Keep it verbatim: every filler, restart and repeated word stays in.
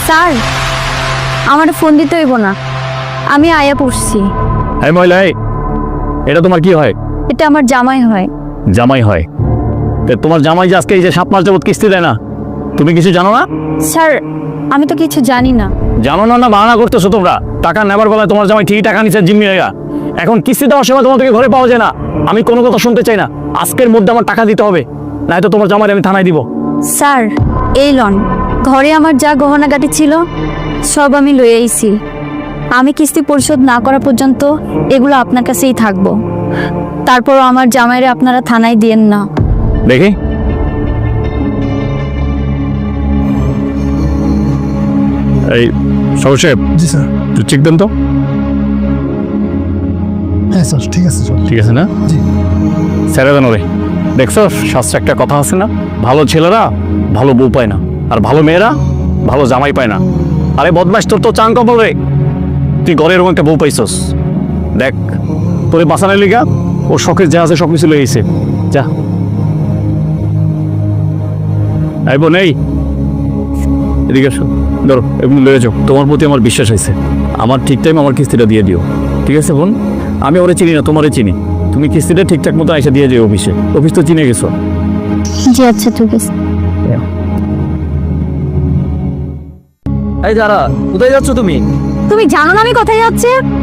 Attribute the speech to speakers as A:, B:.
A: Sir আমার phone দিতে হইব না, আমি আয়া পড়ছি।
B: এই মহিলা, এই, এটা তোমার কি হয়?
A: এটা আমার জামাই হয়।
B: জামাই হয়? তা তোমার জামাই যে আজকে এই যে সাত মাস যাবত কিস্তি দেয় না, তুমি কিছু জানো না?
A: স্যার আমি তো কিছু জানি না।
B: জানো না না বাহানা করতেছো তোমরা? টাকা নেবার বেলায় তোমার জামাই ঠিকই টাকা নিচ্ছে জিম্মি হয়ে। এখন কিস্তি দেওয়ার সময় তোমার থেকে ঘরে পাওয়া যায় না। আমি কোনো কথা শুনতে চাই না, আজকের মধ্যে আমার টাকা দিতে হবে, নয়তো তোমার জামাই আমি থানায় দিব।
A: স্যার এই লন, ঘরে আমার যা গহনাগাটি ছিল সব আমি লয়ে আইছি। আমি কিস্তি পরিশোধ না করা পর্যন্ত এগুলো আপনার কাছেই থাকবো। তারপরও আমার জামাইরে আপনারা থানায় দিয়েন না।
B: দেখি এই সব সাহেব,
C: জি স্যার।
B: তুই চেক দেন তো।
C: হ্যাঁ স্যার, ঠিক আছে স্যার।
B: ঠিক আছে না?
C: জি।
B: ছেড়ে দেন ওরে। দেখছো শাস্ত্রে একটা কথা আছে না, ভালো ছেলেরা ভালো বউ পায় না, আর ভালো মেয়েরা ভালো জামাই পায় না। আরে বদমাস, তোর তো চাং কপাল রে, তুই ঘরে এরকম একটা বউ পাইছস। দেখ তোরে বাঁচানোর লিগা ওর শখের যা আছে সব কিছু লয়ে গেছে। যা আইব নেই, এদিকে আসো, ধরো এগুলো লয়ে যাও। তোমার প্রতি আমার বিশ্বাস হয়েছে, আমার ঠিক টাইম আমার কিস্তিটা দিয়ে দিও, ঠিক আছে বোন? আমি ওরে চিনি না, তোমারে চিনি। তুমি কিস্তিটা ঠিকঠাক মতো এসে দিয়ে যাও অফিসে, অফিস তো চিনে গেছো।
A: জি আচ্ছা ঠিক আছে।
D: এই যারা, কোথায় যাচ্ছ তুমি?
A: তুমি জানো না আমি কোথায় যাচ্ছি?